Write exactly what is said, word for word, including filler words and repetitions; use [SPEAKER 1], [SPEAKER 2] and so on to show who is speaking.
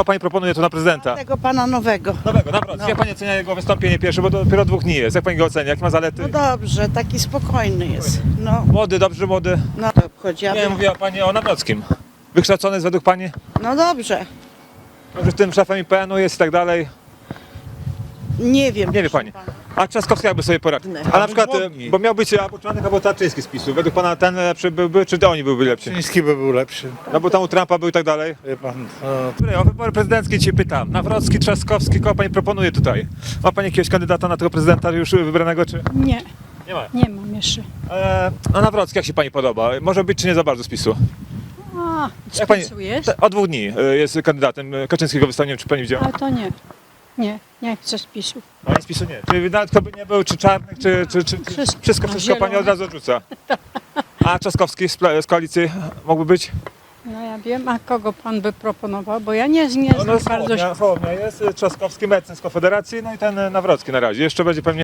[SPEAKER 1] pani proponuje tu na prezydenta?
[SPEAKER 2] Tego pana nowego.
[SPEAKER 1] Nowego, naprawdę.
[SPEAKER 2] No.
[SPEAKER 1] Jak pani ocenia jego wystąpienie pierwsze, bo to dopiero dwóch dni jest. Jak pani go ocenia? Jakie ma zalety?
[SPEAKER 2] No dobrze, taki spokojny jest. No,
[SPEAKER 1] Młody, dobrze młody.
[SPEAKER 2] no to obchodzi.
[SPEAKER 1] Nie, mówiła pani o Nawrockim. Wykształcony jest według pani?
[SPEAKER 2] No dobrze.
[SPEAKER 1] Że tym szefem I P N u jest i tak dalej.
[SPEAKER 2] Nie wiem.
[SPEAKER 1] Nie wie
[SPEAKER 2] proszę
[SPEAKER 1] pani.
[SPEAKER 2] pana.
[SPEAKER 1] A Trzaskowski jakby sobie poradził. A na przykład, e, bo miał być albo Czarnek, albo Tarczyński z PiSu. Według pana ten lepszy byłby, czy oni byłyby lepsi?
[SPEAKER 3] Chiński by był lepszy,
[SPEAKER 1] No bo tam u Trumpa był i tak dalej.
[SPEAKER 3] wie pan. To...
[SPEAKER 1] Dobry, o wybory prezydenckie cię pytam. Nawrocki, Trzaskowski, kogo pani proponuje tutaj? Ma pani jakiegoś kandydata na tego prezydenta już wybranego, czy?
[SPEAKER 4] Nie,
[SPEAKER 1] Nie ma.
[SPEAKER 4] nie mam jeszcze.
[SPEAKER 1] E, no Nawrocki, jak się pani podoba? Może być, czy nie za bardzo z PiSu?
[SPEAKER 4] A,
[SPEAKER 1] Jak pani-
[SPEAKER 4] spisujesz?
[SPEAKER 1] Te- Od dwóch dni e, jest kandydatem. E, Kaczyńskiego wystawiłem, czy pani widziała?
[SPEAKER 4] Ale to nie. Nie, nie chcę spisu.
[SPEAKER 1] No i z PiSu nie. Czy nawet kto by nie był, czy Czarnek, czy, czy, czy, czy
[SPEAKER 4] Wszystko.
[SPEAKER 1] wszystko,
[SPEAKER 4] A
[SPEAKER 1] wszystko pani
[SPEAKER 4] zielone?
[SPEAKER 1] od razu odrzuca. A Trzaskowski z, pla- z koalicji mógłby być?
[SPEAKER 4] No ja wiem, a kogo pan by proponował, bo ja nie, nie
[SPEAKER 1] No,
[SPEAKER 4] znam
[SPEAKER 1] no
[SPEAKER 4] bardzo...
[SPEAKER 1] Hołownia, Hołownia jest, e, Trzaskowski, Mencen z Konfederacji, no i ten e, Nawrocki na razie. Jeszcze będzie pewnie